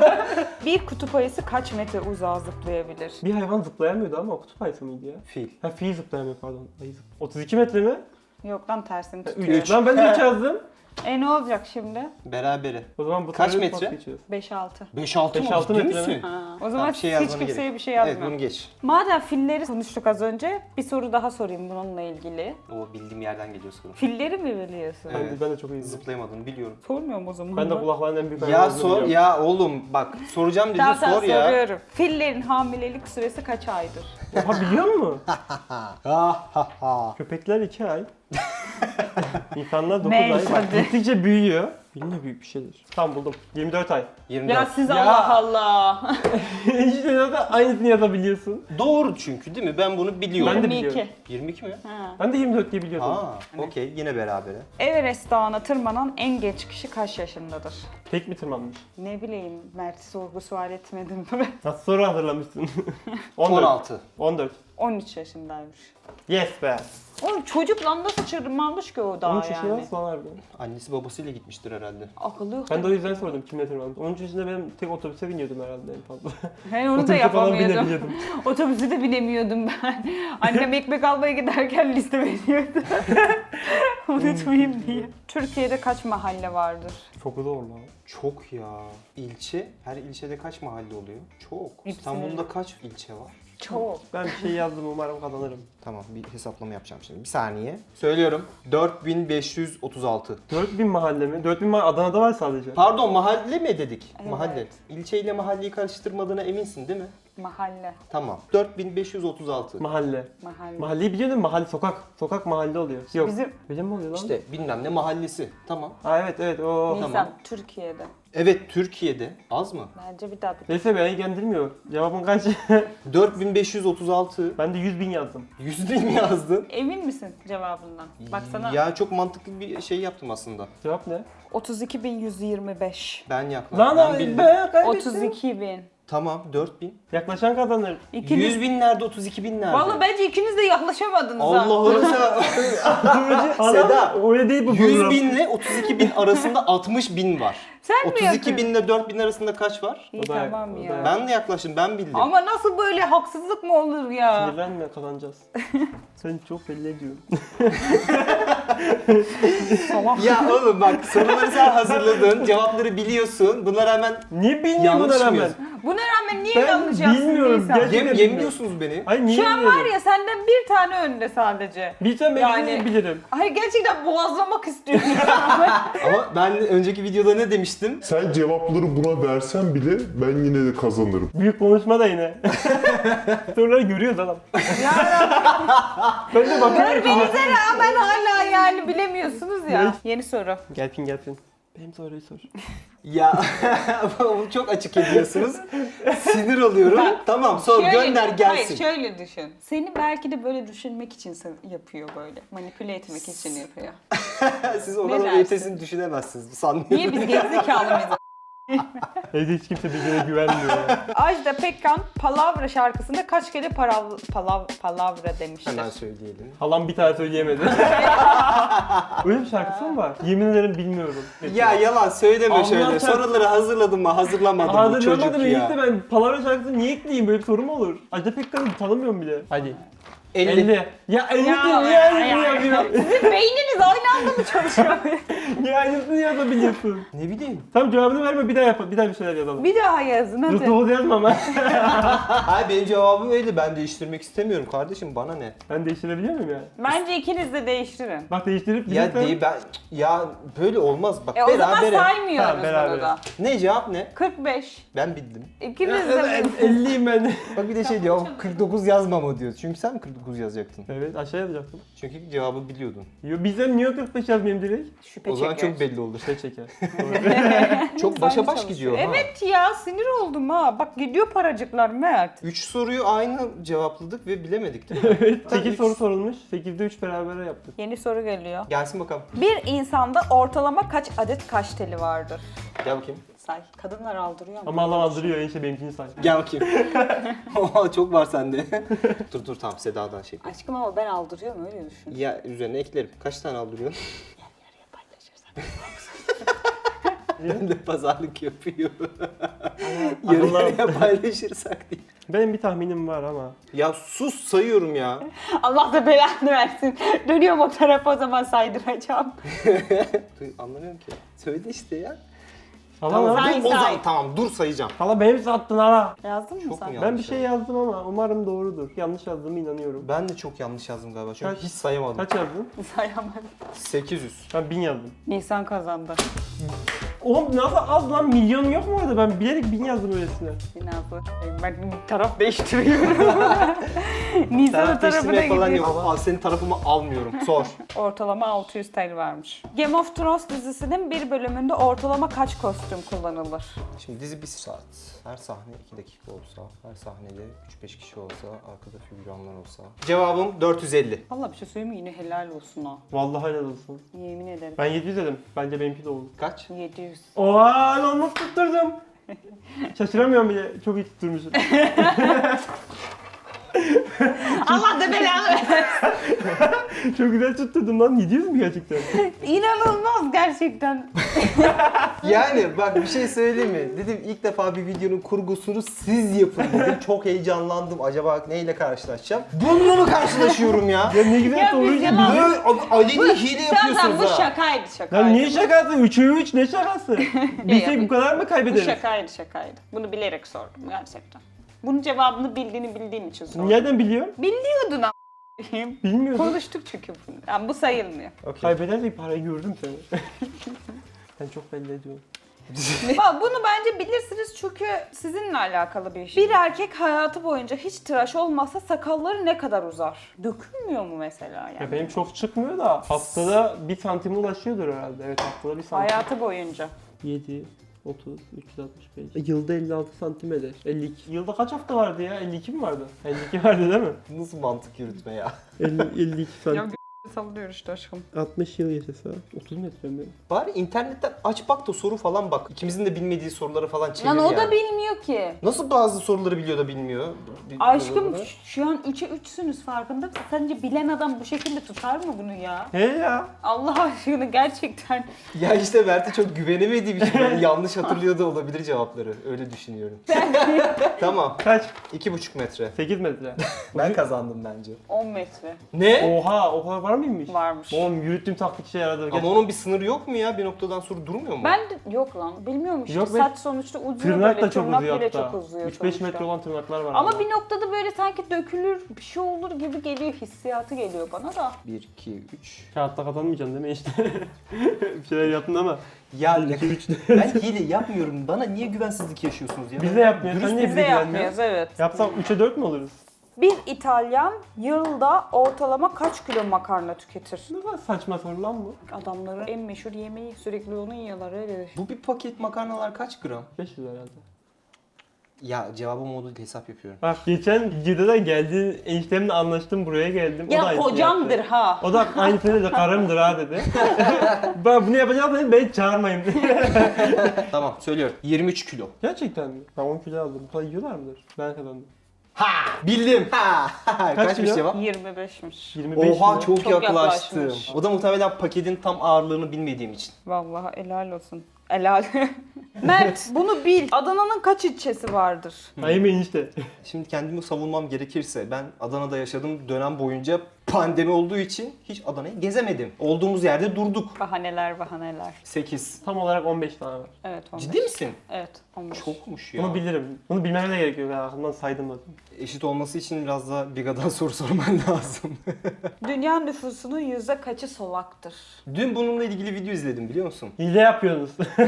[SPEAKER 4] Bir kutup ayısı kaç metre uzağa zıplayabilir?
[SPEAKER 2] Bir hayvan zıplayamıyordu ama o kutup ayısı mıydı ya?
[SPEAKER 3] Fil.
[SPEAKER 2] Ha fil zıplayamıyor pardon. Ayı zıp- otuz iki metre mi?
[SPEAKER 4] Yok lan tersini tutuyor.
[SPEAKER 2] üç. Lan ben de üç yazdım.
[SPEAKER 4] E ne olacak şimdi?
[SPEAKER 3] Berabere.
[SPEAKER 2] O zaman bu
[SPEAKER 3] Kaç
[SPEAKER 2] soruyu
[SPEAKER 3] metre?
[SPEAKER 2] pas geçiyoruz.
[SPEAKER 4] beş altı.
[SPEAKER 3] beş altı mı?
[SPEAKER 2] Beş altı
[SPEAKER 3] Ciddi
[SPEAKER 2] metre mi?
[SPEAKER 3] misin?
[SPEAKER 4] Ha. O zaman
[SPEAKER 3] Ha, bir şey
[SPEAKER 4] hiç
[SPEAKER 3] yazmana
[SPEAKER 4] kimseye
[SPEAKER 3] gerek.
[SPEAKER 4] bir şey
[SPEAKER 3] Evet
[SPEAKER 4] yazmıyorum.
[SPEAKER 3] bunu geç.
[SPEAKER 4] Madem filleri konuştuk az önce, bir soru daha sorayım bununla ilgili.
[SPEAKER 3] O bildiğim yerden geliyor soru.
[SPEAKER 4] Filleri mi biliyorsun?
[SPEAKER 2] Ben,
[SPEAKER 3] Evet.
[SPEAKER 2] de, ben de çok iyi
[SPEAKER 3] Zıplayamadığını biliyorum.
[SPEAKER 4] Sormuyorum o zaman.
[SPEAKER 2] Ben de
[SPEAKER 4] da.
[SPEAKER 2] kulakların en büyük
[SPEAKER 3] Ya
[SPEAKER 2] hayvanı
[SPEAKER 3] sor
[SPEAKER 2] biliyorum.
[SPEAKER 3] ya oğlum bak soracağım dedin
[SPEAKER 4] Tamam tamam
[SPEAKER 3] sor ya.
[SPEAKER 4] soruyorum. Fillerin hamilelik süresi kaç aydır?
[SPEAKER 2] Oha biliyor musun?
[SPEAKER 3] Ha ha ha.
[SPEAKER 2] Köpekler iki ay. İnsanlar dokuz
[SPEAKER 4] Neyse,
[SPEAKER 2] ay. Bak,
[SPEAKER 4] hadi.
[SPEAKER 2] gittikçe büyüyor. Yine büyük bir şeydir. Tamam buldum. yirmi dört ay.
[SPEAKER 3] yirmi dört.
[SPEAKER 4] Ya siz
[SPEAKER 2] Ya.
[SPEAKER 4] Allah Allah.
[SPEAKER 2] işte zaten aynısını yazabiliyorsun.
[SPEAKER 3] Doğru çünkü değil mi? Ben bunu biliyorum.
[SPEAKER 2] Ben de
[SPEAKER 4] yirmi iki.
[SPEAKER 2] biliyorum.
[SPEAKER 3] yirmi iki mi?
[SPEAKER 4] Ha.
[SPEAKER 2] Ben de yirmi dört diye biliyordum.
[SPEAKER 3] Ha, okey yine berabere.
[SPEAKER 4] Everest Dağı'na tırmanan en genç kişi kaç yaşındadır?
[SPEAKER 2] Tek mi tırmanmış?
[SPEAKER 4] Ne bileyim, Mert'i sorgu sual etmedim.
[SPEAKER 2] Nasıl soru hazırlamışsın? on dört.
[SPEAKER 3] on altı.
[SPEAKER 2] on dört.
[SPEAKER 4] on üç yaşındaymış.
[SPEAKER 2] Yes be.
[SPEAKER 4] Oğlum çocuk lan nasıl tırmanmış ki o dağa
[SPEAKER 2] on üç yaşında
[SPEAKER 4] yani?
[SPEAKER 2] nasıl lan harbiden?
[SPEAKER 3] Annesi babasıyla gitmiştir herhalde.
[SPEAKER 4] Akıllı yok.
[SPEAKER 2] Ben de o yüzden sordum kimle tırmanmış. on üç yaşında benim tek otobüse biniyordum herhalde en fazla.
[SPEAKER 4] He onu da
[SPEAKER 2] Otobüse falan
[SPEAKER 4] yapamıyordum.
[SPEAKER 2] binebiliyordum.
[SPEAKER 4] Otobüse de binemiyordum ben. Annem ekmek almaya giderken liste veriyordu. Unutmayayım diye. Türkiye'de kaç mahalle vardır?
[SPEAKER 3] Çok zor lan. Çok ya. İlçe, her ilçede kaç mahalle oluyor? Çok.
[SPEAKER 4] Hepsini-
[SPEAKER 3] İstanbul'da kaç ilçe var?
[SPEAKER 4] Çok.
[SPEAKER 2] Ben bir şey yazdım, umarım kazanırım.
[SPEAKER 3] Tamam, bir hesaplama yapacağım şimdi. Bir saniye. Söylüyorum. dört bin beş yüz otuz altı.
[SPEAKER 2] dört bin mahalle mi? dört bin mahalle Adana'da var sadece.
[SPEAKER 3] Pardon, mahalle mi dedik?
[SPEAKER 4] Evet.
[SPEAKER 3] Mahalle. İlçeyle mahalleyi karıştırmadığına eminsin değil mi?
[SPEAKER 4] Mahalle.
[SPEAKER 3] Tamam. dört bin beş yüz otuz altı.
[SPEAKER 2] Mahalle.
[SPEAKER 4] Mahalle.
[SPEAKER 2] Mahalleyi biliyor musun? Mahalle, sokak. Sokak mahalle oluyor. Yok.
[SPEAKER 4] Bizim-
[SPEAKER 2] Öyle mi oluyor lan?
[SPEAKER 3] İşte bilmem ne mahallesi. Tamam.
[SPEAKER 2] Ha evet evet o.
[SPEAKER 4] Nisan,
[SPEAKER 3] Tamam.
[SPEAKER 4] Türkiye'de.
[SPEAKER 3] Evet, Türkiye'de. Az mı?
[SPEAKER 4] Bence bir daha bir.
[SPEAKER 2] Neyse beni ilgilendirmiyor. Cevabın kaç?
[SPEAKER 3] dört bin beş yüz otuz altı.
[SPEAKER 2] Ben de yüz bin yazdım.
[SPEAKER 3] yüz bin mi yazdın?
[SPEAKER 4] Emin misin cevabından? Baksana.
[SPEAKER 3] Ya çok mantıklı bir şey yaptım aslında.
[SPEAKER 2] Cevap ne?
[SPEAKER 4] otuz iki bin yüz yirmi beş.
[SPEAKER 3] Ben yaklaştım.
[SPEAKER 2] Lan
[SPEAKER 3] ben
[SPEAKER 2] abi
[SPEAKER 3] bildim.
[SPEAKER 2] ben kaybettim.
[SPEAKER 4] otuz iki bin.
[SPEAKER 3] Tamam, dört bin.
[SPEAKER 2] Yaklaşan kazanır.
[SPEAKER 4] İkiniz...
[SPEAKER 3] yüz bin nerede, otuz iki bin nerede?
[SPEAKER 4] Vallahi bence ikiniz de yaklaşamadınız ha.
[SPEAKER 3] Allah'ını seversen. Seda,
[SPEAKER 2] Öyle değil bu
[SPEAKER 3] yüz
[SPEAKER 2] program.
[SPEAKER 3] binle otuz iki bin arasında altmış bin var.
[SPEAKER 4] Sen mi
[SPEAKER 3] otuz iki
[SPEAKER 4] yapıyorsun?
[SPEAKER 3] binle dört bin arasında kaç var?
[SPEAKER 4] İyi
[SPEAKER 2] O da-
[SPEAKER 4] tamam
[SPEAKER 2] o
[SPEAKER 4] ya.
[SPEAKER 2] da-
[SPEAKER 3] Ben de yaklaştım, ben bildim.
[SPEAKER 4] Ama nasıl böyle haksızlık mı olur ya?
[SPEAKER 2] Sinirlenme, kazanacağız. Sen çok belli ediyorsun.
[SPEAKER 3] Ya oğlum bak, soruları sen hazırladın, cevapları biliyorsun. Buna rağmen
[SPEAKER 2] Niye bilmiyorum
[SPEAKER 3] Yanlış
[SPEAKER 2] buna rağmen?
[SPEAKER 3] mıyız?
[SPEAKER 4] Buna rağmen niye
[SPEAKER 2] Ben
[SPEAKER 4] yanlış yapsın
[SPEAKER 2] bilmiyorum,
[SPEAKER 4] Nisan?
[SPEAKER 2] gerçekten
[SPEAKER 3] yem,
[SPEAKER 2] bilmiyorum.
[SPEAKER 3] yemliyorsunuz beni.
[SPEAKER 2] Hayır niye
[SPEAKER 4] Şu an
[SPEAKER 2] bilmiyorum?
[SPEAKER 4] var ya senden bir tane önde sadece.
[SPEAKER 2] Bilsem ben
[SPEAKER 4] Yani-
[SPEAKER 2] yani... bilirim.
[SPEAKER 4] Hayır gerçekten boğazlamak istiyorum.
[SPEAKER 3] Ama ben önceki videoda ne demiştim?
[SPEAKER 5] Sen cevapları buna versen bile ben yine de kazanırım.
[SPEAKER 2] Büyük konuşma da yine. Soruları görüyoruz adam. Ben de bakıyorum.
[SPEAKER 4] Görmenize rağmen hala yani bilemiyorsunuz ya.
[SPEAKER 2] Evet.
[SPEAKER 4] Yeni soru.
[SPEAKER 2] Gelsin gelsin. Benim soruyu sor.
[SPEAKER 3] Ya çok açık ediyorsunuz. Sinir oluyorum. Tamam, sor,
[SPEAKER 4] Şöyle-
[SPEAKER 3] gönder gelsin.
[SPEAKER 4] Hayır şöyle düşün. Seni belki de böyle düşünmek için sen- yapıyor böyle. Manipüle etmek için yapıyor.
[SPEAKER 3] Siz o
[SPEAKER 4] Ne
[SPEAKER 3] kadar
[SPEAKER 4] dersin?
[SPEAKER 3] ötesini düşünemezsiniz. Sanmıyorum.
[SPEAKER 4] Niye biz gerizekalı mıyız?
[SPEAKER 2] Evde hiç kimse birbirine güvenmiyor ya.
[SPEAKER 4] Ajda Pekkan Palavra şarkısında kaç kere parav, palav, palavra demiştir?
[SPEAKER 3] Hemen söyleyelim.
[SPEAKER 2] Halam bir tane söyleyemedi. Öyle bir şarkısı mı var? Yemin ederim bilmiyorum.
[SPEAKER 3] Ya yalan söyleme
[SPEAKER 2] Allah
[SPEAKER 3] şöyle.
[SPEAKER 2] çarpsın.
[SPEAKER 3] Soruları hazırladın mı? Hazırlamadın mı çocuk
[SPEAKER 2] Hazırlamadım
[SPEAKER 3] ya?
[SPEAKER 2] işte ben palavra şarkısını niye ekleyeyim? Böyle bir soru mu olur? Ajda Pekkan'ı tanımıyorum bile. Hadi.
[SPEAKER 3] elli.
[SPEAKER 2] elli. Ya elli
[SPEAKER 4] Ya,
[SPEAKER 2] niye
[SPEAKER 4] ya,
[SPEAKER 2] aynısını
[SPEAKER 4] ya.
[SPEAKER 2] yapıyorsun?
[SPEAKER 4] Sizin beyniniz aynı anda mı çalışıyor?
[SPEAKER 2] Niye aynısını yazabiliyorsun?
[SPEAKER 3] Ne bileyim.
[SPEAKER 2] Tamam cevabını verme bir daha yap. Bir daha bir şeyler yazalım.
[SPEAKER 4] Bir daha yazın
[SPEAKER 2] Dur
[SPEAKER 4] hadi.
[SPEAKER 2] doğru yazma ama.
[SPEAKER 3] Hayır, benim cevabım öyle. Ben değiştirmek istemiyorum kardeşim. Bana ne?
[SPEAKER 2] Ben değiştirebiliyor muyum yani?
[SPEAKER 4] Bence ikiniz de değiştirin.
[SPEAKER 2] Bak değiştirip
[SPEAKER 3] Ya
[SPEAKER 2] bilirsen-
[SPEAKER 3] değil ben. Ya böyle olmaz. Bak
[SPEAKER 4] E o zaman
[SPEAKER 3] berabere.
[SPEAKER 4] saymıyoruz
[SPEAKER 2] Tamam, beraber.
[SPEAKER 4] bunu da.
[SPEAKER 3] Ne cevap ne?
[SPEAKER 4] kırk beş.
[SPEAKER 3] Ben bildim.
[SPEAKER 4] İkiniz
[SPEAKER 2] Ya,
[SPEAKER 4] de
[SPEAKER 2] ben elliyim ben.
[SPEAKER 3] Bak bir de şey diyor. kırk dokuz yazma mı diyor. Çünkü sen mi kırk dokuz yazacaktın?
[SPEAKER 2] Evet aşağı yazacaktım.
[SPEAKER 3] Çünkü cevabı biliyordun.
[SPEAKER 2] Yo bizden niye kırk beş yazmayayım direkt?
[SPEAKER 4] şüphe
[SPEAKER 3] O zaman
[SPEAKER 4] çeker.
[SPEAKER 3] çok belli olur.
[SPEAKER 2] Şey çeker.
[SPEAKER 3] Çok başa baş
[SPEAKER 4] Çalışıyor.
[SPEAKER 3] gidiyor ha.
[SPEAKER 4] Evet ya sinir oldum ha. Bak gidiyor paracıklar Mert.
[SPEAKER 3] Üç soruyu aynı cevapladık ve bilemedik değil mi?
[SPEAKER 2] Evet
[SPEAKER 3] Tabii
[SPEAKER 2] sekiz
[SPEAKER 3] üç-
[SPEAKER 2] soru sorulmuş. sekizde üç beraber yaptık.
[SPEAKER 4] Yeni soru geliyor.
[SPEAKER 3] Gelsin bakalım.
[SPEAKER 4] Bir insanda ortalama kaç adet kaş teli vardır?
[SPEAKER 3] Gel bakayım.
[SPEAKER 4] Say. Kadınlar aldırıyor mu?
[SPEAKER 2] Ama Allah aldırıyor enişte benimkini say.
[SPEAKER 3] Gel bakayım. Oha, çok var sende. dur dur tamam, Seda'dan şey.
[SPEAKER 4] Aşkım ama ben aldırıyorum öyle düşün.
[SPEAKER 3] Ya üzerine eklerim. Kaç tane aldırıyorsun? Ben de pazarlık yapıyor. Yarı yarıya paylaşırsak diye.
[SPEAKER 2] Benim bir tahminim var ama.
[SPEAKER 3] Ya sus, sayıyorum ya.
[SPEAKER 4] Allah da belanı versin. Dönüyorum o tarafa o zaman saydıracağım.
[SPEAKER 3] Anlamıyorum ki. Söyle işte ya.
[SPEAKER 2] Hala
[SPEAKER 3] Tamam,
[SPEAKER 2] ne
[SPEAKER 4] Say,
[SPEAKER 3] dur, o
[SPEAKER 4] say.
[SPEAKER 3] zaman tamam dur sayacağım.
[SPEAKER 2] Hala beni sattın hala.
[SPEAKER 4] Yazdın mı
[SPEAKER 3] Çok
[SPEAKER 4] sen?
[SPEAKER 3] mu ya?
[SPEAKER 2] Ben bir şey yazdım ama umarım doğrudur. Yanlış yazdığımı inanıyorum.
[SPEAKER 3] Ben de çok yanlış yazdım galiba çünkü
[SPEAKER 2] Kaç-
[SPEAKER 3] hiç sayamadım.
[SPEAKER 2] Kaç yazdın?
[SPEAKER 4] Sayamadım.
[SPEAKER 3] sekiz yüz.
[SPEAKER 2] Ben bin yazdım.
[SPEAKER 4] Nisan kazandı.
[SPEAKER 2] Oğlum nasıl az lan, milyonum yok mu orada? Ben bilerek bin yazdım öylesine.
[SPEAKER 4] Binazlı. Ben taraf değiştiriyorum. Nisan'ın
[SPEAKER 3] Taraf
[SPEAKER 4] tarafına
[SPEAKER 3] değiştirme falan
[SPEAKER 4] gidiyor.
[SPEAKER 3] yok. Al, senin tarafımı almıyorum. Sor.
[SPEAKER 4] Ortalama altı yüz T L varmış. Game of Thrones dizisinin bir bölümünde ortalama kaç kostüm kullanılır?
[SPEAKER 3] Şimdi dizi bir saat. Her sahne iki dakika olsa, her sahnede üç beş kişi olsa, arkada figüranlar olsa. Cevabım dört yüz elli.
[SPEAKER 4] Vallahi bir şey söyleyeyim mi? Yine helal olsun ha.
[SPEAKER 2] Vallahi helal olsun.
[SPEAKER 4] Yemin ederim.
[SPEAKER 2] Ben yedi yüz dedim. Bence benimki de olur.
[SPEAKER 3] Kaç?
[SPEAKER 4] yedi yüz.
[SPEAKER 2] Oha lan nasıl tutturdum? Şaşıramıyorum bile. Çok iyi tutturmuşum.
[SPEAKER 1] Allah da belanı versin.
[SPEAKER 2] Çok güzel tutturdum lan. Gidiyoruz mu gerçekten?
[SPEAKER 1] İnanılmaz gerçekten.
[SPEAKER 3] Yani bak bir şey söyleyeyim mi? Dedim ilk defa bir videonun kurgusunu siz yapın dedim. Çok heyecanlandım. Acaba neyle karşılaşacağım? Bununla mı karşılaşıyorum ya?
[SPEAKER 2] Ya ne güzel
[SPEAKER 1] Ya biz
[SPEAKER 2] soruyu
[SPEAKER 1] yalan-
[SPEAKER 2] gidiyor.
[SPEAKER 3] Böyle Ali'nin hile
[SPEAKER 1] Tamam
[SPEAKER 3] yapıyorsunuz
[SPEAKER 1] tamam bu
[SPEAKER 3] ha.
[SPEAKER 1] şakaydı şakaydı.
[SPEAKER 2] Ya niye şakası? Üçe üç ne şakası? Bilsek bu kadar mı
[SPEAKER 1] Bu
[SPEAKER 2] kaybederiz?
[SPEAKER 1] şakaydı şakaydı. Bunu bilerek sordum gerçekten. Bunun cevabını bildiğini bildiğim için sordum.
[SPEAKER 2] Nereden biliyorsun?
[SPEAKER 1] Biliyordun a**ayım.
[SPEAKER 2] Bilmiyordum.
[SPEAKER 1] Konuştuk çünkü bunu. Yani bu sayılmıyor.
[SPEAKER 3] Okay.
[SPEAKER 2] Kaybedersek parayı gördüm seni. Sen çok belli ediyorsun.
[SPEAKER 1] Bak bunu bence bilirsiniz çünkü sizinle alakalı bir şey. Bir erkek hayatı boyunca hiç tıraş olmazsa sakalları ne kadar uzar? Dökülmüyor mu mesela yani?
[SPEAKER 2] Ya benim çok çıkmıyor da haftada bir santime ulaşıyordur herhalde. Evet haftada bir santim.
[SPEAKER 1] Hayatı boyunca.
[SPEAKER 2] yedi, otuz, üç yüz altmış beş. Yılda elli altı santim eder. elli iki. Yılda kaç hafta vardı ya? elli iki mi vardı? elli iki vardı değil mi?
[SPEAKER 3] Nasıl mantık yürütme ya?
[SPEAKER 2] elli, elli iki
[SPEAKER 1] Ya
[SPEAKER 2] santim.
[SPEAKER 1] sallıyor işte aşkım.
[SPEAKER 2] altmış yıl yaşasa. otuz metre mi?
[SPEAKER 3] Bari internetten aç bak da soru falan bak. İkimizin de bilmediği soruları falan çevir
[SPEAKER 1] Lan o
[SPEAKER 3] yani.
[SPEAKER 1] da bilmiyor ki.
[SPEAKER 3] Nasıl bazı soruları biliyor da bilmiyor? Bi-
[SPEAKER 1] Aşkım
[SPEAKER 3] soruları?
[SPEAKER 1] şu an üçe üçsünüz farkında mısın? Sence bilen adam bu şekilde tutar mı bunu ya?
[SPEAKER 2] He ya.
[SPEAKER 1] Allah aşkına gerçekten.
[SPEAKER 3] Ya işte Mert'e çok güvenemediğim için ben yanlış hatırlıyor da olabilir cevapları. Öyle düşünüyorum. Tamam.
[SPEAKER 2] Kaç?
[SPEAKER 3] iki buçuk metre.
[SPEAKER 2] sekiz metre.
[SPEAKER 3] Ben kazandım bence.
[SPEAKER 1] on metre
[SPEAKER 3] Ne?
[SPEAKER 2] Oha o kadar var mıymış?
[SPEAKER 1] varmış.
[SPEAKER 2] Oğlum yürüttüğüm taktik işe yaradı.
[SPEAKER 3] Ama onun bir sınırı yok mu ya? Bir noktadan sonra durmuyor mu?
[SPEAKER 1] Ben de yok lan bilmiyormuş.
[SPEAKER 2] Yok
[SPEAKER 1] işte.
[SPEAKER 2] be.
[SPEAKER 1] Saç sonuçta uzuyor
[SPEAKER 2] Tırnak
[SPEAKER 1] böyle.
[SPEAKER 2] da çok
[SPEAKER 1] Tırnak
[SPEAKER 2] uzuyor
[SPEAKER 1] bile
[SPEAKER 2] hatta.
[SPEAKER 1] çok uzuyor
[SPEAKER 2] üç beş
[SPEAKER 1] sonuçta.
[SPEAKER 2] metre olan tırnaklar var.
[SPEAKER 1] Ama bir noktada böyle sanki dökülür bir şey olur gibi geliyor, hissiyatı geliyor bana da.
[SPEAKER 3] bir, iki, üç.
[SPEAKER 2] Kağıtta kazanmayacaksın değil mi işte? Bir şeyler yaptın ama.
[SPEAKER 3] Ya ne ben hile yapmıyorum. Bana niye güvensizlik yaşıyorsunuz ya?
[SPEAKER 2] Biz de yapmıyoruz. Sen niye
[SPEAKER 1] Biz
[SPEAKER 2] bize
[SPEAKER 1] de
[SPEAKER 2] güvenmiyorsun?
[SPEAKER 1] yapmıyoruz evet.
[SPEAKER 2] Yapsam üçe dört mü oluruz?
[SPEAKER 1] Bir İtalyan yılda ortalama kaç kilo makarna tüketir?
[SPEAKER 2] Ne kadar saçma soru lan bu.
[SPEAKER 1] Adamların en meşhur yemeği sürekli onu yiyorlar öyle.
[SPEAKER 3] Bu bir paket makarnalar kaç gram?
[SPEAKER 2] beş yüz herhalde.
[SPEAKER 3] Ya cevabım oldu hesap yapıyorum.
[SPEAKER 2] Bak geçen videoda geldi eniştemle anlaştım buraya geldim. o da
[SPEAKER 1] Ya
[SPEAKER 2] aynısını
[SPEAKER 1] kocamdır
[SPEAKER 2] yaptı.
[SPEAKER 1] ha.
[SPEAKER 2] O da aynısını dedi karımdır ha dedi. Ben bunu yapacağım dedim beni çağırmayın.
[SPEAKER 3] Tamam söylüyorum. yirmi üç kilo.
[SPEAKER 2] Gerçekten mi? Ben on kilo aldım. Bu kadar yiyorlar mıdır? Ben kazandım.
[SPEAKER 3] Ha! Bildim. Ha! Kaçmış
[SPEAKER 2] kilo?
[SPEAKER 3] cevap?
[SPEAKER 1] yirmi beşmiş.
[SPEAKER 2] yirmi beş
[SPEAKER 3] Oha
[SPEAKER 2] mi?
[SPEAKER 3] çok,
[SPEAKER 1] Çok
[SPEAKER 3] yaklaştım.
[SPEAKER 1] yaklaşmış.
[SPEAKER 3] O da muhtemelen paketin tam ağırlığını bilmediğim için.
[SPEAKER 1] Vallahi helal olsun. Helal. Mert bunu bil. Adana'nın kaç ilçesi vardır?
[SPEAKER 2] Hayır enişte.
[SPEAKER 3] Şimdi kendimi savunmam gerekirse ben Adana'da yaşadığım dönem boyunca pandemi olduğu için hiç Adana'yı gezemedim. Olduğumuz yerde durduk.
[SPEAKER 1] Bahaneler bahaneler.
[SPEAKER 3] sekiz.
[SPEAKER 2] Tam olarak on beş tane var.
[SPEAKER 1] Evet on beş.
[SPEAKER 3] Ciddi misin?
[SPEAKER 1] Evet on beş.
[SPEAKER 3] Çokmuş ya.
[SPEAKER 2] Bunu bilirim. Bunu bilmeme de gerek yok. Aklımdan saydım zaten.
[SPEAKER 3] Eşit olması için biraz daha Biga'dan soru sorman lazım.
[SPEAKER 1] Dünya nüfusunun yüzde kaçı solaktır?
[SPEAKER 3] Dün bununla ilgili video izledim biliyor musun?
[SPEAKER 2] Hile yapıyorsunuz.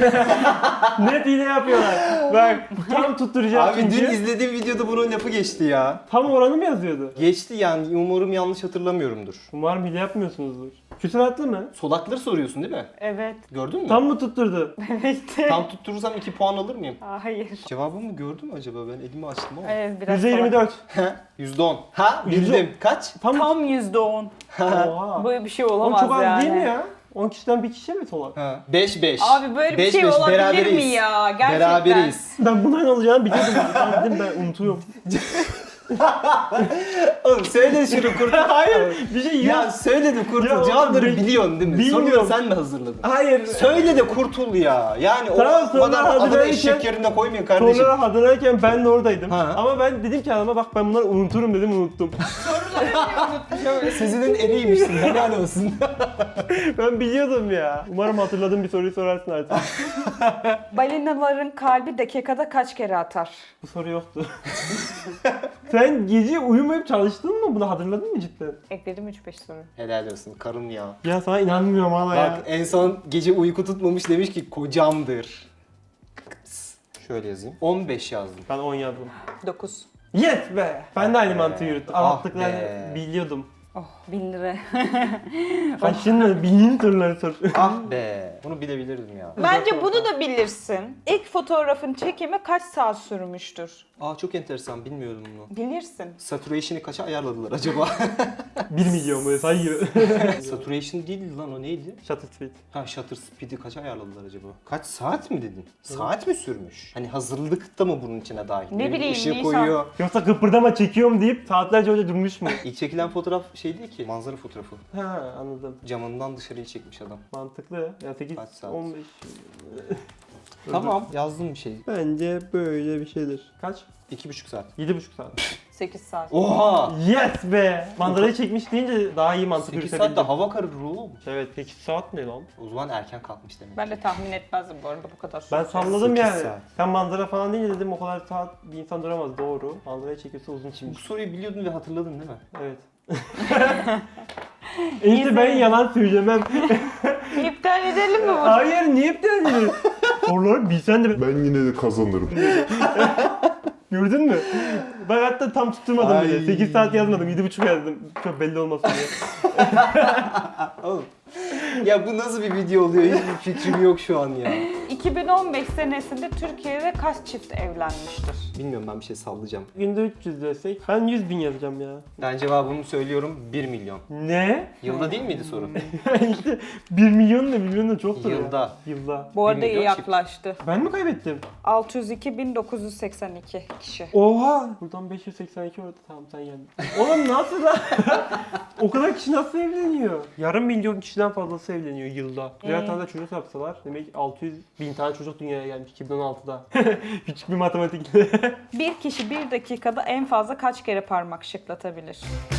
[SPEAKER 2] Net hile yapıyorlar. Bak tam tutturacağım
[SPEAKER 3] Abi
[SPEAKER 2] çünkü.
[SPEAKER 3] dün izlediğim videoda bunun lafı geçti ya.
[SPEAKER 2] Tam oranı mı yazıyordu?
[SPEAKER 3] Geçti yani umarım yanlış hatırlamıyorumdur.
[SPEAKER 2] Umarım hile yapmıyorsunuzdur. Küsuratlı mı?
[SPEAKER 3] Solakları soruyorsun değil mi?
[SPEAKER 1] Evet.
[SPEAKER 3] Gördün mü?
[SPEAKER 2] Tam mı tutturdu?
[SPEAKER 1] Evet.
[SPEAKER 3] Tam tutturursam iki puan alır mıyım?
[SPEAKER 1] Hayır.
[SPEAKER 3] Cevabımı gördün mü acaba? Ben elimi açtım ama.
[SPEAKER 1] Evet biraz
[SPEAKER 2] yüzde yirmi
[SPEAKER 1] salak.
[SPEAKER 2] dört.
[SPEAKER 3] yüzde on. Ha
[SPEAKER 2] Yüzde
[SPEAKER 3] bildim. Kaç?
[SPEAKER 2] Tam,
[SPEAKER 1] Tam yüzde on.
[SPEAKER 2] Oha.
[SPEAKER 1] Böyle bir şey
[SPEAKER 2] Oğlum
[SPEAKER 1] olamaz
[SPEAKER 2] çok az
[SPEAKER 1] yani.
[SPEAKER 2] değil mi ya? on kişiden bir kişi mi solak?
[SPEAKER 3] Ha. beş beş.
[SPEAKER 1] Abi böyle bir
[SPEAKER 3] beş
[SPEAKER 1] şey
[SPEAKER 3] beş,
[SPEAKER 1] olabilir
[SPEAKER 3] beraberiz.
[SPEAKER 1] mi ya? Gerçekten.
[SPEAKER 3] Beraberiz.
[SPEAKER 2] Ben bunların olacağını biliyordum. Ben dedim ben unutuyorum.
[SPEAKER 3] Oğlum söyle şunu kurtul.
[SPEAKER 2] Hayır bir şey yok.
[SPEAKER 3] Ya söyle de kurtul.
[SPEAKER 2] Ya oğlum,
[SPEAKER 3] Cevapları
[SPEAKER 2] bil-
[SPEAKER 3] biliyorsun değil mi?
[SPEAKER 2] bilmiyorum.
[SPEAKER 3] Soruları sen mi hazırladın?
[SPEAKER 2] Hayır.
[SPEAKER 3] Söyle de kurtul ya. Yani
[SPEAKER 2] Tamam,
[SPEAKER 3] o
[SPEAKER 2] sonra
[SPEAKER 3] kadar adını
[SPEAKER 2] hazırlarken-
[SPEAKER 3] eşek yerine koymayın kardeşim.
[SPEAKER 2] Sonra hazırlarken ben de oradaydım.
[SPEAKER 3] Ha.
[SPEAKER 2] Ama ben dedim ki adama bak ben bunları unuturum dedim unuttum.
[SPEAKER 3] Sizin eriymişsin. Helal olsun.
[SPEAKER 2] Ben biliyordum ya. Umarım hatırladığım bir soruyu sorarsın artık.
[SPEAKER 1] Balinaların kalbi dakikada kaç kere atar?
[SPEAKER 2] Bu soru yoktu. Sen gece uyumayıp çalıştın mı? Bunu hatırladın mı cidden?
[SPEAKER 1] Ekledim üç beş soru.
[SPEAKER 3] Helal olsun karım ya.
[SPEAKER 2] Ya sana inanmıyorum hala ya.
[SPEAKER 3] Bak en son gece uyku tutmamış demiş ki kocamdır. Şöyle yazayım. on beş yazdım.
[SPEAKER 2] Ben on yazdım.
[SPEAKER 1] dokuz.
[SPEAKER 2] Yes be! Ben de aynı mantığı yürüttüm.
[SPEAKER 3] Ah
[SPEAKER 2] Anlattıklarını
[SPEAKER 3] be.
[SPEAKER 2] biliyordum.
[SPEAKER 4] Oh bin lira.
[SPEAKER 2] Kaçın bildiğin soruları sor.
[SPEAKER 3] Ah be. Bunu bilebilirdim ya.
[SPEAKER 4] Bence bunu da bilirsin. İlk fotoğrafın çekimi kaç saat sürmüştür?
[SPEAKER 3] Aa çok enteresan, bilmiyordum bunu.
[SPEAKER 4] Bilirsin.
[SPEAKER 3] Saturation'ı kaça ayarladılar acaba?
[SPEAKER 2] bir milyon böyle sayıyor.
[SPEAKER 3] Saturation değildi lan, o neydi?
[SPEAKER 2] Shutter speed.
[SPEAKER 3] Ha, shutter speed'i kaça ayarladılar acaba? Kaç saat mi dedin? Saat mi sürmüş? Hani hazırlıkta mı bunun içine dahil?
[SPEAKER 4] Ne bileyim,
[SPEAKER 3] Işığı
[SPEAKER 4] Nisan.
[SPEAKER 3] koyuyor.
[SPEAKER 2] Yoksa kıpırdama çekiyorum deyip saatlerce öyle durmuş mu?
[SPEAKER 3] İlk çekilen fotoğraf şey değil ki, manzara fotoğrafı.
[SPEAKER 2] Ha anladım.
[SPEAKER 3] Camından dışarıyı çekmiş adam.
[SPEAKER 2] Mantıklı. Ya sekiz
[SPEAKER 3] Kaç saat?
[SPEAKER 2] on beş.
[SPEAKER 3] Tamam, yazdım bir şey.
[SPEAKER 2] Bence böyle bir şeydir. Kaç?
[SPEAKER 3] İki buçuk saat.
[SPEAKER 2] yedi buçuk saat.
[SPEAKER 4] sekiz saat.
[SPEAKER 3] Oha!
[SPEAKER 2] Yes be! Manzarayı çekmiş deyince daha iyi mantık
[SPEAKER 3] sekiz
[SPEAKER 2] yürütebildim.
[SPEAKER 3] saatte hava kararır oğlum.
[SPEAKER 2] Evet sekiz saat ne lan?
[SPEAKER 3] O zaman erken kalkmış demek.
[SPEAKER 4] Ben de tahmin etmezdim bu arada bu kadar.
[SPEAKER 2] Ben salladım
[SPEAKER 3] sekiz
[SPEAKER 2] yani.
[SPEAKER 3] saat.
[SPEAKER 2] Sen manzara falan deyince dedim o kadar saat bir insan duramaz, doğru. Manzarayı çekiyorsa uzun
[SPEAKER 3] Bu
[SPEAKER 2] çekmiş.
[SPEAKER 3] soruyu biliyordun ve hatırladın değil mi?
[SPEAKER 2] Evet. İşte ben yalan söylemem.
[SPEAKER 4] İptal edelim mi bunu?
[SPEAKER 2] Hayır niye iptal ediyorsun? Soruları bilsen de
[SPEAKER 5] Ben yine de kazanırım.
[SPEAKER 2] gördün mü? Ben hatta tam tutturmadım
[SPEAKER 3] Ay.
[SPEAKER 2] bile. sekiz saat yazmadım, yedi buçuk yazdım. Çok belli olmasın diye.
[SPEAKER 3] Oğlum. Ya bu nasıl bir video oluyor? Hiçbir fikrim yok şu an ya.
[SPEAKER 4] iki bin on beş senesinde Türkiye'de kaç çift evlenmiştir?
[SPEAKER 3] Bilmiyorum, ben bir şey sallayacağım.
[SPEAKER 2] Günde üç yüz desek ben yüz bin yazacağım ya.
[SPEAKER 3] Ben cevabımı söylüyorum, bir milyon.
[SPEAKER 2] Ne?
[SPEAKER 3] Yılda değil miydi soru?
[SPEAKER 2] işte bir milyon da milyon da çoktur ya.
[SPEAKER 3] Yılda.
[SPEAKER 2] Yılda.
[SPEAKER 4] Bu arada
[SPEAKER 3] Bir
[SPEAKER 4] iyi
[SPEAKER 3] milyon çift.
[SPEAKER 4] yaklaştı.
[SPEAKER 2] Ben mi kaybettim?
[SPEAKER 4] altı yüz iki bin dokuz yüz seksen iki kişi.
[SPEAKER 2] Oha! Buradan beş yüz seksen iki orada, tamam sen yendin. Oğlum nasıl lan? O kadar kişi nasıl evleniyor? Yarım milyon kişiden fazlası evleniyor yılda. Birer
[SPEAKER 4] Ee?
[SPEAKER 2] tane de çocuk yapsalar demek ki altı yüz bin tane çocuk dünyaya gelmiş iki bin on altıda. Küçük bir matematik.
[SPEAKER 4] Bir kişi bir dakikada en fazla kaç kere parmak şıklatabilir?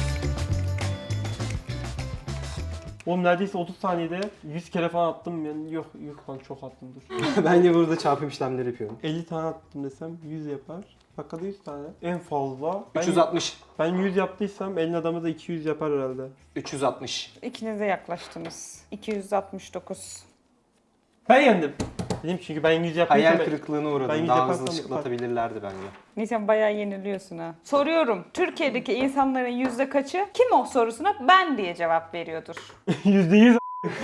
[SPEAKER 2] Oğlum neredeyse otuz saniyede yüz kere falan attım ben. Yok yok lan çok attım dur.
[SPEAKER 3] Ben de burada çarpım işlemleri yapıyorum.
[SPEAKER 2] elli tane attım desem yüz yapar. Dakikada yüz tane. En fazla. Ben,
[SPEAKER 3] üç yüz altmış.
[SPEAKER 2] ben yüz yaptıysam elin adamı da iki yüz yapar herhalde.
[SPEAKER 3] üç yüz altmış.
[SPEAKER 4] İkiniz de yaklaştınız. iki yüz altmış dokuz.
[SPEAKER 2] Ben yendim. Dedim çünkü ben yüz yaptıysam...
[SPEAKER 3] Hayal kırıklığına
[SPEAKER 2] Ben
[SPEAKER 3] uğradım.
[SPEAKER 2] yüz
[SPEAKER 3] Daha
[SPEAKER 2] yaparsam
[SPEAKER 3] hızlı şıklatabilirlerdi bence.
[SPEAKER 4] Nisan bayağı yeniliyorsun ha. Soruyorum. Türkiye'deki insanların yüzde kaçı kim o sorusuna ben diye cevap veriyordur?
[SPEAKER 2] Yüzde yüz.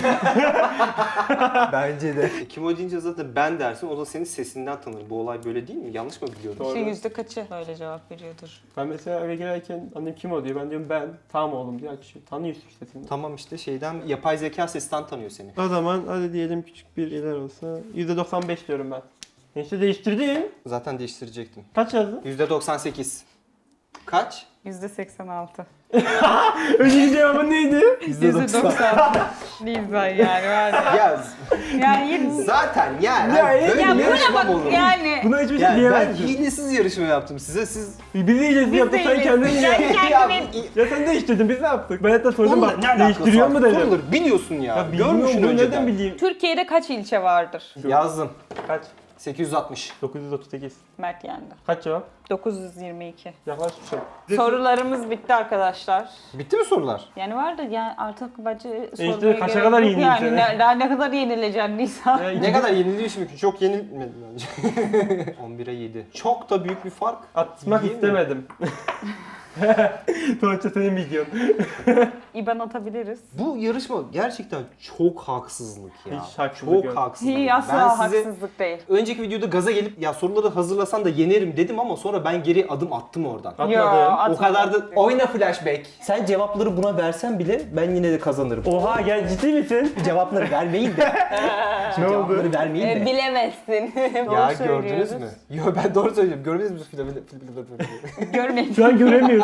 [SPEAKER 3] Bence de. E, kim o deyince zaten ben dersin, o da senin sesinden tanır. Bu olay böyle değil mi? Yanlış mı biliyorum?
[SPEAKER 2] Doğru.
[SPEAKER 4] İşte yüzde kaçı böyle cevap veriyordur?
[SPEAKER 2] Ben mesela eve girerken annem kim o diyor. Ben diyorum ben. Tamam oğlum diye açıyor. Tanıyorsun işte seni.
[SPEAKER 3] Tamam işte şeyden, yapay zeka sesten tanıyor seni.
[SPEAKER 2] O zaman hadi diyelim küçük bir iler olsa. yüzde doksan beş diyorum ben. İşte değiştirdin.
[SPEAKER 3] Zaten değiştirecektim.
[SPEAKER 2] Kaç yazdın?
[SPEAKER 3] yüzde doksan sekiz. Kaç?
[SPEAKER 4] yüzde seksen altı.
[SPEAKER 2] Önceki cevabın neydi?
[SPEAKER 4] yüzde doksan. Nisan yani var ya.
[SPEAKER 3] Ya
[SPEAKER 4] Yani yine...
[SPEAKER 3] zaten yani
[SPEAKER 2] Ya,
[SPEAKER 3] hani böyle
[SPEAKER 4] Ya buna
[SPEAKER 3] yarışma
[SPEAKER 4] bak
[SPEAKER 3] mı olur?
[SPEAKER 4] yani.
[SPEAKER 2] Buna hiçbir şey
[SPEAKER 3] Yani ben
[SPEAKER 2] diyemezsin.
[SPEAKER 3] hilesiz yarışma yaptım size, siz...
[SPEAKER 2] Biz iyicesi
[SPEAKER 4] Biz
[SPEAKER 2] yaptık
[SPEAKER 4] de
[SPEAKER 2] sen kendin
[SPEAKER 4] iyicesi.
[SPEAKER 2] ya.
[SPEAKER 4] Yani
[SPEAKER 3] Ya,
[SPEAKER 4] kendimi-
[SPEAKER 2] Ya sen değiştirdin biz ne yaptık? Ben hatta sordum
[SPEAKER 3] onunla
[SPEAKER 2] bak
[SPEAKER 3] ne alakası
[SPEAKER 2] değiştiriyor
[SPEAKER 3] var?
[SPEAKER 2] mu dedim.
[SPEAKER 3] Soruları biliyorsun ya.
[SPEAKER 2] Ya
[SPEAKER 3] Görmüşsün
[SPEAKER 2] bilmiyorum bunu
[SPEAKER 3] önceden.
[SPEAKER 2] nereden bileyim?
[SPEAKER 4] Türkiye'de kaç ilçe vardır?
[SPEAKER 3] Yazdım.
[SPEAKER 2] Kaç?
[SPEAKER 3] sekiz yüz altmış.
[SPEAKER 2] dokuz yüz otuz sekiz.
[SPEAKER 4] Mert yendi.
[SPEAKER 2] Kaç cevap?
[SPEAKER 4] dokuz yüz yirmi iki.
[SPEAKER 2] Yaklaşmışım.
[SPEAKER 4] Sorularımız bitti arkadaşlar.
[SPEAKER 3] Bitti mi sorular?
[SPEAKER 4] Yani vardı yani artık bence
[SPEAKER 2] işte
[SPEAKER 4] sormaya
[SPEAKER 2] kaça
[SPEAKER 4] gerek
[SPEAKER 2] kadar
[SPEAKER 4] yok
[SPEAKER 2] yenileyim
[SPEAKER 4] yani.
[SPEAKER 2] seni?
[SPEAKER 4] Ne, daha ne kadar yenileceksin Nisan?
[SPEAKER 2] Ya,
[SPEAKER 3] Ne
[SPEAKER 2] iki-
[SPEAKER 3] kadar yeniliyorsun ki? Çok yenilmedim bence. on bire yedi. Çok da büyük bir fark.
[SPEAKER 2] Atmak
[SPEAKER 3] Değil mi?
[SPEAKER 2] istemedim. Sonuçta senin videon.
[SPEAKER 4] İban atabiliriz.
[SPEAKER 3] Bu yarışma gerçekten çok haksızlık ya.
[SPEAKER 2] Hiç haksızlık
[SPEAKER 3] çok
[SPEAKER 2] yok.
[SPEAKER 3] haksızlık.
[SPEAKER 4] İyi asla
[SPEAKER 3] Ben size
[SPEAKER 4] haksızlık değil.
[SPEAKER 3] önceki videoda gaza gelip ya soruları hazırlasan da yenerim dedim ama sonra ben geri adım attım oradan.
[SPEAKER 2] Atmadım.
[SPEAKER 4] Yo,
[SPEAKER 3] O
[SPEAKER 4] atmadım.
[SPEAKER 3] kadar da oyna flashback. Sen cevapları buna versen bile ben yine de kazanırım.
[SPEAKER 2] Oha gel ciddi misin?
[SPEAKER 3] Cevapları vermeyin de.
[SPEAKER 2] Ne oldu?
[SPEAKER 3] Cevapları vermeyin
[SPEAKER 4] Ee,
[SPEAKER 3] de.
[SPEAKER 4] bilemezsin.
[SPEAKER 3] Ya
[SPEAKER 4] Doğru
[SPEAKER 3] gördünüz
[SPEAKER 4] söylüyoruz.
[SPEAKER 3] mü? Yo ben doğru söylüyorum. Görmediniz mi?
[SPEAKER 4] Görmedim.
[SPEAKER 2] Şu an göremiyoruz.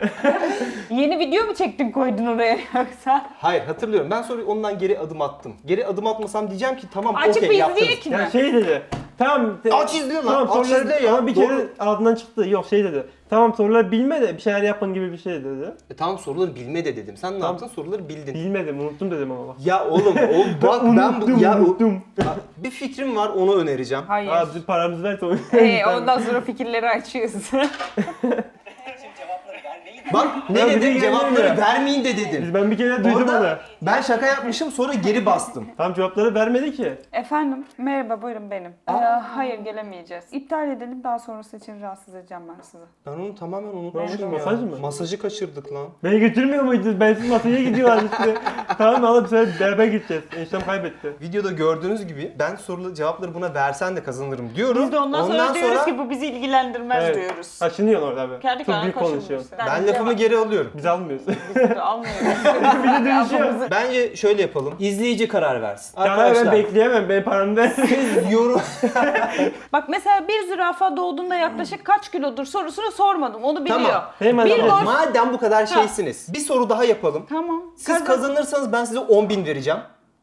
[SPEAKER 4] Yeni video mu çektin koydun oraya yoksa?
[SPEAKER 3] Hayır hatırlıyorum. Ben sonra ondan geri adım attım. Geri adım atmasam diyeceğim ki tamam
[SPEAKER 4] Açık
[SPEAKER 3] okey
[SPEAKER 4] bir
[SPEAKER 3] yaptınız.
[SPEAKER 4] izleyek mi?
[SPEAKER 2] Ya şey dedi. Tamam. te-
[SPEAKER 3] Aç izle lan,
[SPEAKER 2] Tamam,
[SPEAKER 3] aç
[SPEAKER 2] soruları-
[SPEAKER 3] izle ya.
[SPEAKER 2] Ama bir
[SPEAKER 3] Doğru.
[SPEAKER 2] kere ağzından çıktı. Yok şey dedi. Tamam soruları bilme de bir şeyler yapın gibi bir şey dedi.
[SPEAKER 3] E, tamam soruları bilme de dedim. Sen ne
[SPEAKER 2] Tamam.
[SPEAKER 3] yaptın? Soruları bildin.
[SPEAKER 2] Bilmedim unuttum dedim ama bak.
[SPEAKER 3] Ya oğlum o bak ben
[SPEAKER 2] unuttum
[SPEAKER 3] bu ya o,
[SPEAKER 2] unuttum.
[SPEAKER 3] bir fikrim var onu önereceğim.
[SPEAKER 4] Hayır.
[SPEAKER 2] Abi bizim paramızı ver sonra.
[SPEAKER 4] Ee, ondan sonra fikirleri açıyoruz.
[SPEAKER 3] Bak ne
[SPEAKER 2] Ya bir de
[SPEAKER 3] dedim? Cevapları
[SPEAKER 2] gelmiyor.
[SPEAKER 3] vermeyin de dedim.
[SPEAKER 2] Biz ben bir kere duydum onu.
[SPEAKER 3] Orada ben şaka yapmışım sonra geri bastım.
[SPEAKER 2] Tam cevapları vermedi ki.
[SPEAKER 4] Efendim, merhaba buyurun benim. Ee, hayır gelemeyeceğiz. İptal edelim, daha sonrası için rahatsız edeceğim ben sizi.
[SPEAKER 3] Ben onu tamamen
[SPEAKER 2] Ne
[SPEAKER 3] unutmuşum ya.
[SPEAKER 2] olmuş, masaj mı?
[SPEAKER 3] Masajı kaçırdık lan.
[SPEAKER 2] Beni götürmüyor muydunuz? Ben siz masaya gidiyorlar işte. Tamam alıp bu sefer beraber gideceğiz. Eniştem kaybetti.
[SPEAKER 3] Videoda gördüğünüz gibi ben sorulı cevapları buna versen de kazanırım diyorum.
[SPEAKER 4] Biz de ondan, sonra, diyoruz ki bu bizi ilgilendirmez diyoruz.
[SPEAKER 2] Kaçınıyorsun orada abi.
[SPEAKER 4] Kendi
[SPEAKER 2] Çok
[SPEAKER 4] kendine
[SPEAKER 2] büyük
[SPEAKER 4] koşulmuş.
[SPEAKER 2] konuşuyorsun.
[SPEAKER 3] ben lafımı geri alıyorum.
[SPEAKER 2] Biz almıyoruz.
[SPEAKER 4] Biz de almıyoruz.
[SPEAKER 2] Bir de dönüşüyor.
[SPEAKER 3] Bence şöyle yapalım. İzleyici karar versin.
[SPEAKER 2] Ya ben bekleyemem. Ben paramı ver.
[SPEAKER 3] siz yorum...
[SPEAKER 4] Bak mesela bir zürafa doğduğunda yaklaşık kaç kilodur sorusunu sormadım. Onu biliyor.
[SPEAKER 3] Tamam.
[SPEAKER 2] Hemen
[SPEAKER 4] Bir
[SPEAKER 2] alalım.
[SPEAKER 4] gol-
[SPEAKER 3] Madem bu kadar şeysiniz. Bir soru daha yapalım.
[SPEAKER 4] Tamam.
[SPEAKER 3] Siz
[SPEAKER 4] Kazan-
[SPEAKER 3] kazanırsanız ben size on bin vereceğim.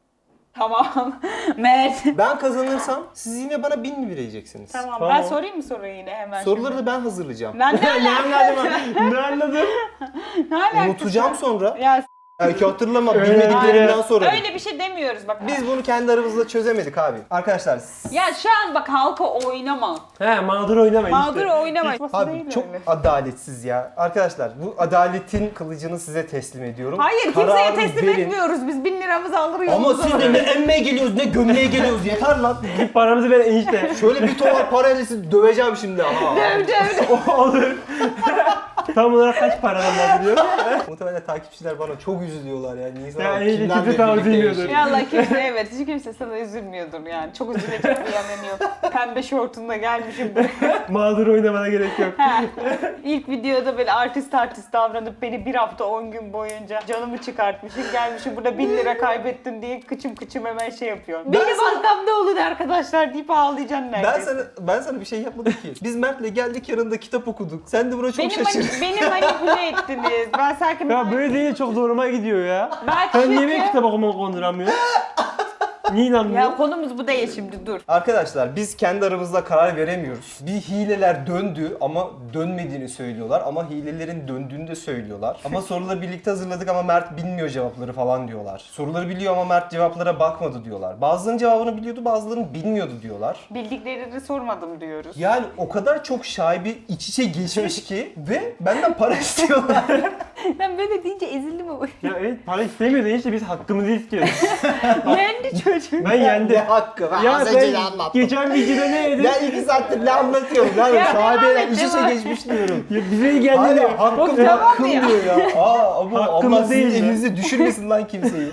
[SPEAKER 4] Tamam. Mert.
[SPEAKER 3] Ben kazanırsam siz yine bana bin mi vereceksiniz?
[SPEAKER 4] Tamam.
[SPEAKER 2] Tamam.
[SPEAKER 4] Ben sorayım mı soruyu yine hemen
[SPEAKER 3] Soruları
[SPEAKER 4] şimdi?
[SPEAKER 3] da ben hazırlayacağım.
[SPEAKER 4] Ben ne
[SPEAKER 2] Ne anladım? Ne anladım?
[SPEAKER 4] Ne alakası
[SPEAKER 3] Unutacağım
[SPEAKER 4] var?
[SPEAKER 3] sonra.
[SPEAKER 4] Ya s-
[SPEAKER 3] Belki hatırlamam.
[SPEAKER 2] Öyle
[SPEAKER 3] Bilmediklerimden
[SPEAKER 2] değil.
[SPEAKER 3] sonra.
[SPEAKER 4] öyle bir şey demiyoruz bak.
[SPEAKER 3] Biz bunu kendi aramızda çözemedik abi. Arkadaşlar
[SPEAKER 4] Ya şu an bak halka oynama.
[SPEAKER 2] He mağdur oynamayın
[SPEAKER 4] Mağdur
[SPEAKER 2] işte.
[SPEAKER 4] oynama.
[SPEAKER 3] abi
[SPEAKER 4] Değil
[SPEAKER 3] çok
[SPEAKER 4] öyle.
[SPEAKER 3] adaletsiz ya. Arkadaşlar bu adaletin kılıcını size teslim ediyorum.
[SPEAKER 4] Hayır kimseye
[SPEAKER 3] Kararı
[SPEAKER 4] teslim
[SPEAKER 3] verin.
[SPEAKER 4] etmiyoruz. Biz bin liramızı alır
[SPEAKER 3] Ama
[SPEAKER 4] yolumuza
[SPEAKER 3] siz de ne emmeye geliyoruz ne gömleğe geliyoruz yeter lan.
[SPEAKER 2] Git paramızı ver enişte.
[SPEAKER 3] Şöyle bir tomar parayla sizi döveceğim şimdi. Aa.
[SPEAKER 4] Döv döv.
[SPEAKER 2] Olur. Tam olarak kaç paradan bahsediyor?
[SPEAKER 3] Muhtemelen takipçiler bana çok üzülüyorlar ya. Nisan
[SPEAKER 2] Ya
[SPEAKER 3] abi
[SPEAKER 2] iyice
[SPEAKER 3] kimden
[SPEAKER 2] kimse
[SPEAKER 3] de
[SPEAKER 2] tam
[SPEAKER 3] birlikte
[SPEAKER 2] üzülmüyordur.
[SPEAKER 3] yaşıyor.
[SPEAKER 4] Ya Allah kimse evet hiç kimse sana üzülmüyordur yani. Çok üzülecek bir yanı yok. Pembe şortunda gelmişim buraya.
[SPEAKER 2] Mağdur oynamana gerek yok.
[SPEAKER 4] Ha. İlk videoda böyle artist artist davranıp beni bir hafta on gün boyunca canımı çıkartmışım. Gelmişim burada bin lira kaybettim diye kıçım kıçım hemen şey yapıyor.
[SPEAKER 3] Ben
[SPEAKER 4] Benim
[SPEAKER 3] sana-
[SPEAKER 4] arkamda olun arkadaşlar deyip ağlayacaksın
[SPEAKER 3] Ben
[SPEAKER 4] neredeyse.
[SPEAKER 3] sana, ben sana bir şey yapmadım ki. Biz Mert'le geldik yanında kitap okuduk. Sen de buna çok
[SPEAKER 4] Beni,
[SPEAKER 3] şaşırdın.
[SPEAKER 4] mani- beni manipüle ettiniz. Ben sanki...
[SPEAKER 2] Ya böyle değil çok zoruma gidiyor ya.
[SPEAKER 4] Ben
[SPEAKER 2] Sen niye
[SPEAKER 4] çünkü-
[SPEAKER 2] benim kitap okumamı konduramıyorsun? Niye inanmıyorsun?
[SPEAKER 4] Ya konumuz bu değil şimdi dur.
[SPEAKER 3] Arkadaşlar biz kendi aramızda karar veremiyoruz. Bir hileler döndü ama dönmediğini söylüyorlar. Ama hilelerin döndüğünü de söylüyorlar. Ama soruları birlikte hazırladık ama Mert bilmiyor cevapları falan diyorlar. Soruları biliyor ama Mert cevaplara bakmadı diyorlar. Bazılarının cevabını biliyordu bazılarının bilmiyordu diyorlar.
[SPEAKER 4] Bildiklerini sormadım diyoruz.
[SPEAKER 3] Yani o kadar çok şaibe iç içe geçmiş ki ve benden para istiyorlar.
[SPEAKER 4] Ben böyle deyince ezildim ama.
[SPEAKER 2] Ya evet para istemiyordu enişte biz hakkımızı istiyoruz.
[SPEAKER 4] Yendi çocuk.
[SPEAKER 2] Ben yendim.
[SPEAKER 3] Ne hakkı? Ben
[SPEAKER 2] Ya
[SPEAKER 3] az önce de
[SPEAKER 2] ben
[SPEAKER 3] anlattım.
[SPEAKER 2] geçen videoda ne yedim?
[SPEAKER 3] Ben iki saattir ne anlatıyorum lan?
[SPEAKER 4] Ya
[SPEAKER 3] Şaibeler
[SPEAKER 4] devam et,
[SPEAKER 3] iç içe
[SPEAKER 4] devam et.
[SPEAKER 3] geçmiş diyorum.
[SPEAKER 2] Ya bize iyi geldi diyor.
[SPEAKER 3] Hala hakkım
[SPEAKER 4] Tamam
[SPEAKER 3] hakkım
[SPEAKER 4] ya.
[SPEAKER 3] diyor ya. Aa ama
[SPEAKER 2] Hakkımız
[SPEAKER 3] Allah sizin
[SPEAKER 2] değil mi?
[SPEAKER 3] elinize düşürmesin lan kimseyi.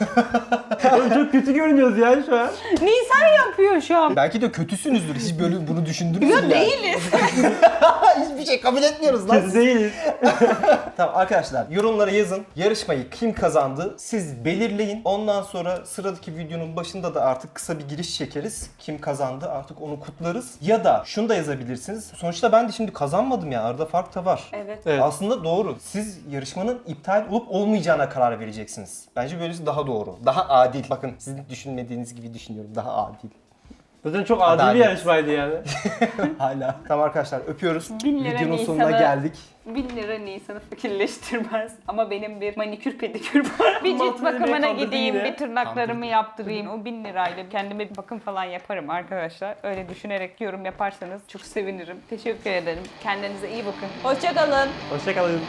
[SPEAKER 2] Oğlum çok kötü görünüyoruz ya şu an.
[SPEAKER 4] Nisan yapıyor şu an.
[SPEAKER 3] Belki de kötüsünüzdür. Hiç böyle bunu düşündünüz mü?
[SPEAKER 4] Ya
[SPEAKER 3] yani?
[SPEAKER 4] değiliz.
[SPEAKER 3] Hiçbir şey kabul etmiyoruz lan.
[SPEAKER 2] Kötü değiliz.
[SPEAKER 3] Tamam arkadaşlar yorumlara yazın. Yarışmayı kim kazandı siz belirleyin. Ondan sonra sıradaki videonun başında da artık kısa bir giriş çekeriz. Kim kazandı artık onu kutlarız. Ya da şunu da yazabilirsiniz. Sonuçta ben de şimdi kazanmadım ya. Arada fark da var.
[SPEAKER 4] Evet.
[SPEAKER 2] Evet.
[SPEAKER 3] Aslında doğru. Siz yarışmanın iptal olup olmayacağına karar vereceksiniz. Bence böylesi daha doğru. Daha adil. Bakın sizin düşünmediğiniz gibi düşünüyorum. Daha adil.
[SPEAKER 2] Zaten çok adil
[SPEAKER 3] Adalet.
[SPEAKER 2] bir yarışmaydı yani.
[SPEAKER 3] Hala. Tamam arkadaşlar öpüyoruz.
[SPEAKER 4] Bin lira
[SPEAKER 3] Videonun
[SPEAKER 4] Nisan'a-
[SPEAKER 3] sonuna geldik.
[SPEAKER 4] Bin lira Nisan'ı fakirleştirmez. Ama benim bir manikür pedikür var. Bir cilt
[SPEAKER 2] Matlı
[SPEAKER 4] bakımına
[SPEAKER 2] kandırdın
[SPEAKER 4] gideyim,
[SPEAKER 2] yine.
[SPEAKER 4] bir tırnaklarımı yaptırayım. O bin lirayla kendime bir bakım falan yaparım arkadaşlar. Öyle düşünerek yorum yaparsanız çok sevinirim. Teşekkür ederim. Kendinize iyi bakın. Hoşçakalın.
[SPEAKER 2] Hoşçakalın.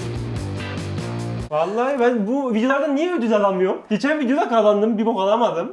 [SPEAKER 2] Vallahi ben bu videolardan niye ödül alamıyorum? Geçen videoda kazandım, bir bok alamadım.